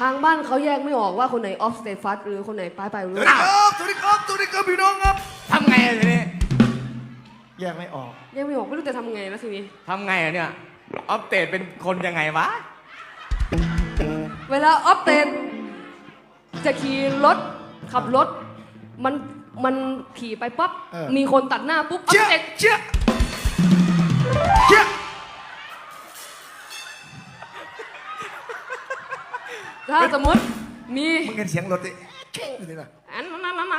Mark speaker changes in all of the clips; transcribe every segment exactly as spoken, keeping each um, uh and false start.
Speaker 1: ทางบ้านเขาแยกไม่ออกว่าคนไหนออฟสเตฟัสหรือคนไหนปลายปลายรู้
Speaker 2: สวัสดีครับสวัสดีครับสวัสดีครับพี่น้องครับ
Speaker 3: ทำไงอะทีนี้
Speaker 2: แยกไม่ออก
Speaker 1: แยกไม่ออกไม่รู้จะทำไงแล้วทีนี้
Speaker 3: ทำไงอะเนี่ยออฟเตดเป็นคนยังไงวะ
Speaker 1: เวลาออฟเตนจะขี่รถขับรถมันมันขี่ไปปั๊บมีคนตัดหน้าปุ๊บออ
Speaker 2: เชี่
Speaker 1: ฟ
Speaker 2: ย
Speaker 1: เตน
Speaker 2: เชี่ยเชี่ย
Speaker 1: ถ้าสมมติมี
Speaker 2: มึงเห็นเสียงรถดิเข่งเลยนะ
Speaker 1: อันนั้นนั้นนั้น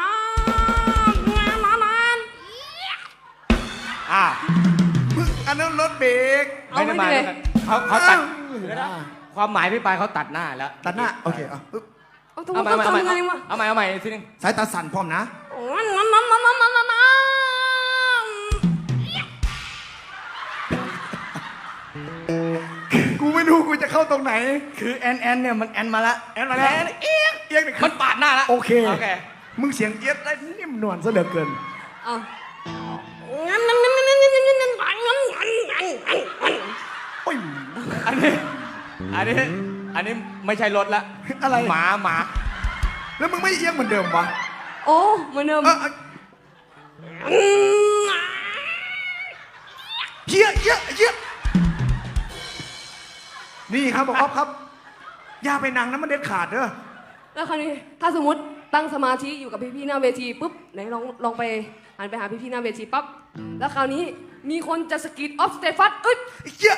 Speaker 1: นั้น
Speaker 3: อ่า
Speaker 2: มึงอันนั้นรถเบรก
Speaker 1: เอา
Speaker 3: ไม่
Speaker 1: ไม่
Speaker 3: ได้มา
Speaker 1: เลย
Speaker 3: เขาเขาตัด
Speaker 2: เดี๋ยวนะ
Speaker 3: ความหมายพี่ปายเขาตัดหน้าแล้ว
Speaker 2: ตัดหน้าโอเคเอาปึ๊บ
Speaker 1: เอาต้อง
Speaker 3: เอาใหม่
Speaker 1: ต้อง
Speaker 3: เอาใหม่
Speaker 1: ทำไงวะ
Speaker 3: เอาใหม่เอาใหม่ทีนึง
Speaker 2: สายตาสั่นพร้อมนะ
Speaker 1: นั้นนั้นนั้นนั้นนั้นนั้นนั้น
Speaker 2: กูไม่รู้กูจะเข้าตรงไหน
Speaker 3: คือแอนแอนเนี่ยมันแอนมาละ
Speaker 2: แอนมาแล้วเอียงเอียงนี่
Speaker 3: มันปาดหน้าละ
Speaker 2: โอเค
Speaker 3: โอเค
Speaker 2: มึงเสียงเอียดได้นิ่มนวลซะเหลือเกิน
Speaker 1: เอางั้นงั้นงั้นงั้นงั้นงั้นงั้นงั้นงั้นงั้นงั้น
Speaker 2: โอ้ย
Speaker 3: อันนี้อันนี้อันนี้ไม่ใช่รถละ
Speaker 2: อะไร
Speaker 3: หมาหมา
Speaker 2: แล้วมึงไม่เอียงเหมือนเดิมวะ
Speaker 1: โอ้เหมือนเดิม
Speaker 2: เออเออเฮียเฮียเฮียนี่ครับบอกอ๊อฟครับ อย่าไปนั่งนะมันเด็ดขาดเด้อ
Speaker 1: แล้วคราวนี้ถ้าสมมติตั้งสมาธิอยู่กับพี่ๆหน้าเวทีปุ๊บไหนลองลองไปหันไปหาพี่ๆหน้าเวทีปั๊บแล้วคราวนี้มีคนจะสกิดออฟสเตฟัสเอ้ย
Speaker 2: เฮีย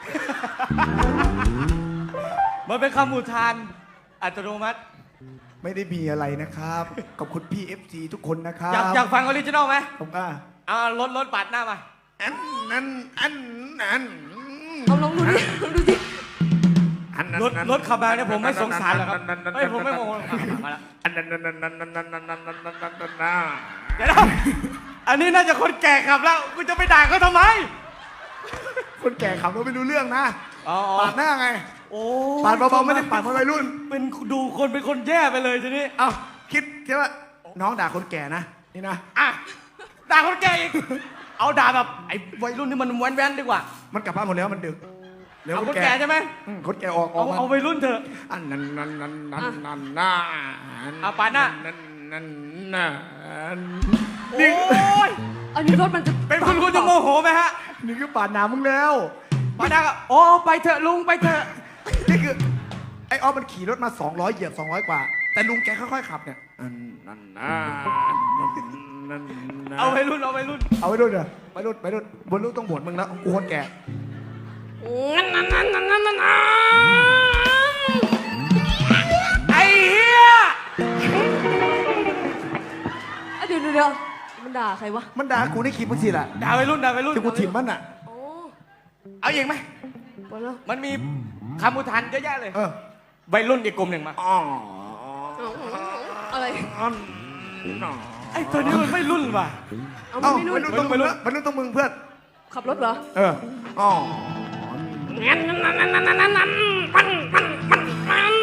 Speaker 3: มันเป็นคำอุทานอัตโนมัติ
Speaker 2: ไม่ได้มีอะไรนะครับขอบคุณพี่ เอฟ ซี ทุกคนนะครับ
Speaker 3: อยากอยากฟังออริจินอลไหม
Speaker 2: ผมอ่ะ
Speaker 3: เอารถรถปาดหน้ามา
Speaker 2: อันนั้นอันนั้น
Speaker 1: เอาลองดูดิลองดูดิ
Speaker 2: อันนั้น
Speaker 3: รถรถขับมาเนี่ยผมไม่สงสารหรอกครับเฮ้ยผมไม่โมโหหรอกครับมาแล้ว
Speaker 2: อันนั้นนั้นนั้นนั้นนั้นนั้นนั้นนั้นนั้นนะ
Speaker 3: เดี๋ยวนะอันนี้น่าจะคนแก่ขับแล้วกูจะไปด่าเขาทำไม
Speaker 2: คนแก่ขับรถไม่รู้เรื่องนะ
Speaker 3: อ๋อ
Speaker 2: ปาดหน้าไง
Speaker 3: โอ้
Speaker 2: ปาดเบาๆไม่ได้ปาดเพราะวัยรุ่น
Speaker 3: เป็นดูคนเป็นคนแย่ไปเลยทีนี้
Speaker 2: เอ้าคิดแค่ว่าน้องด่าคนแก่นะนี่นะ
Speaker 3: อ่ะด่าคนแก่อีกเอาด่าแบบไอ้วัยรุ่นที่มันแว้นๆดีกว่า
Speaker 2: มันกลับบ้านหมดแล้วมันดึกแล้ว
Speaker 3: เอาคนแก่ใช่ไหม
Speaker 2: อืมคนแก่ออกอ
Speaker 3: เอา
Speaker 2: อกมา
Speaker 3: เอาวัยรุ่นเถอะ
Speaker 2: อันนั้นนั้นนั้นนั้นนั้นน่า
Speaker 3: เอาปาดหน้า
Speaker 2: นั้นนั้นน่ะ
Speaker 3: โอ้ย
Speaker 1: อันนี้รถมันจะ
Speaker 3: เป็นคุณคุณจะโมโหไหมฮะ
Speaker 2: นี่คือปาดหน้ามึงแล้ว
Speaker 3: ปาดหน้าก็โอ้ไปเถอะลุงไปเถอะ
Speaker 2: นี่คือไอ้ออฟมันขี่รถมาสองร้อยเหยียบสองร้อยกว่า แต่ลุงแกค่อยๆขับเนี่ยอันนั้นน่ะนั่นน่ะ
Speaker 3: เอาวัยรุ่นเอาวัยรุ่น
Speaker 2: เอาไว้ด้วยเด้อไปรุ่นไปรุ่นบนรุ่นต้องบวชมึงแล้วกูคนแก่
Speaker 1: งั้นงั้นงั้นงั้นงั้นงั้น
Speaker 3: ไอ้เหี้ย
Speaker 1: เดี๋ยวเดี๋ยวเดี๋ยวมันด่าใครวะ
Speaker 2: มันด่ากูนี่ขี่มึงสิล่ะ
Speaker 3: ด่าวัยรุ่นด่าวัยรุ่น
Speaker 2: ที่กูถิ่มมันอ่ะ
Speaker 1: โอ้
Speaker 3: เอาอีกไหม
Speaker 1: หมดแล้ว
Speaker 3: มันมีคำอุทานเยอะแยะเลย
Speaker 2: เออ
Speaker 3: วัยรุ่นอีกกลุ่มหนึ่งมา
Speaker 2: อ๋อ
Speaker 1: อะไร
Speaker 3: ไอ้ตัวนี้มันไม่รุ่นว่ะ
Speaker 1: เอา
Speaker 2: เอ้า
Speaker 1: ไม่รู้
Speaker 2: วัยรุ่นต้องมึงวัยรุ่นต้องมึงเพื่อน
Speaker 1: ขับรถเหรอ
Speaker 2: เอออ๋อ
Speaker 1: งั้นงั้นงั้นงั้นงั้นงั้นงั้นปันปันปันปัน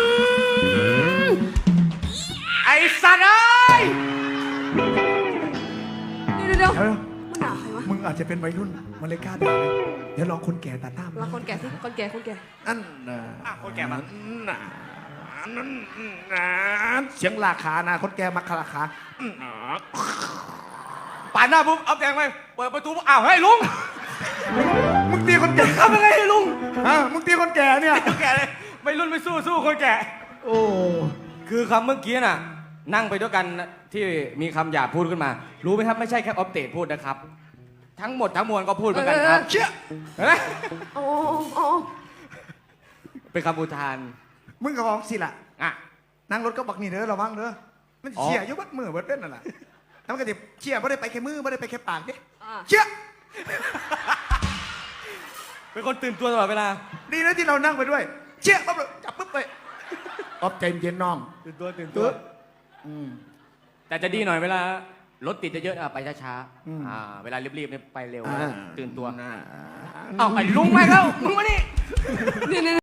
Speaker 3: ไอ้สัตว์เอ้ย
Speaker 1: เดี๋ยวเดี๋ยว
Speaker 2: เดี๋ยว
Speaker 1: มันด่าใครวะ
Speaker 2: มึงอาจจะเป็นวัยรุ่นมันเลยกล้าด่าเลยเดี๋ยวลองคนแก่ตัดหน้ามึง
Speaker 1: ลองคนแก่สิคนแก่คนแก่
Speaker 2: อันน่ะ
Speaker 3: อ่ะคนแก่มา
Speaker 2: น่ะนั่นน่ะเสียงลาขานะคนแก่มาคาราขาอืมอ๋อ
Speaker 3: ปาดหน้าปุ๊บเอาแดงไปเปิดประตูปุ๊บอ้าวเฮ้ยลุง
Speaker 2: มึงตีคนแก่
Speaker 3: ทำยังไงให้ลุง
Speaker 2: ฮะมึงตีคนแก่เนี่ย
Speaker 3: คนแก่เลยไม่รุ่นไม่สู้สู้คนแก่
Speaker 2: โอ้
Speaker 3: คือคำเมื่อกี้น่ะ นั่งไปด้วยกันที่มีคำหยาบพูดขึ้นมา รู้ไหมครับไม่ใช่แค่ออฟเตดพูดนะครับ ทั้งหมดทั้งมวลก็พูดเหมือนกันครับ
Speaker 2: เชี่ย
Speaker 3: เห็นไหม
Speaker 1: โอ้โอ้
Speaker 3: เป็นคำอุทาน
Speaker 2: มึงกับของสิล่ะ
Speaker 3: อ่ะ
Speaker 2: นั่งรถก็บักนี่เด้อระวังเด้อมัน
Speaker 3: อ๋อ
Speaker 2: เชี่ยอยุบดมือเบิดเป็นนั่นแหละแล้วมันก็จะเชี่ยไม่ได้ไปแค่มือไม่ได้ไปแค่ปากเด้
Speaker 1: อ่า
Speaker 2: เชี่ย
Speaker 3: เป็นคนตื่นตัวตลอดเวลา
Speaker 2: ดีนะที่เรานั่งไปด้วย เชี่ยปั๊บเลยจับปุ๊บไปออฟใจเย็นน้อง
Speaker 3: ตื่นตัวตื่นตัว
Speaker 2: อืม
Speaker 3: แต่จะดีหน่อยเวลารถติดเยอะๆอ่ะไปช้า
Speaker 2: อืม
Speaker 3: ๆอ่าเวลารีบๆเนี่ยไปเร็ว
Speaker 2: อ่า
Speaker 3: ตื่นตัว
Speaker 2: อ่า
Speaker 3: เอ้าไอ้ลุงมาแล้วลุงมานี่
Speaker 1: เนี่ยเนี่ย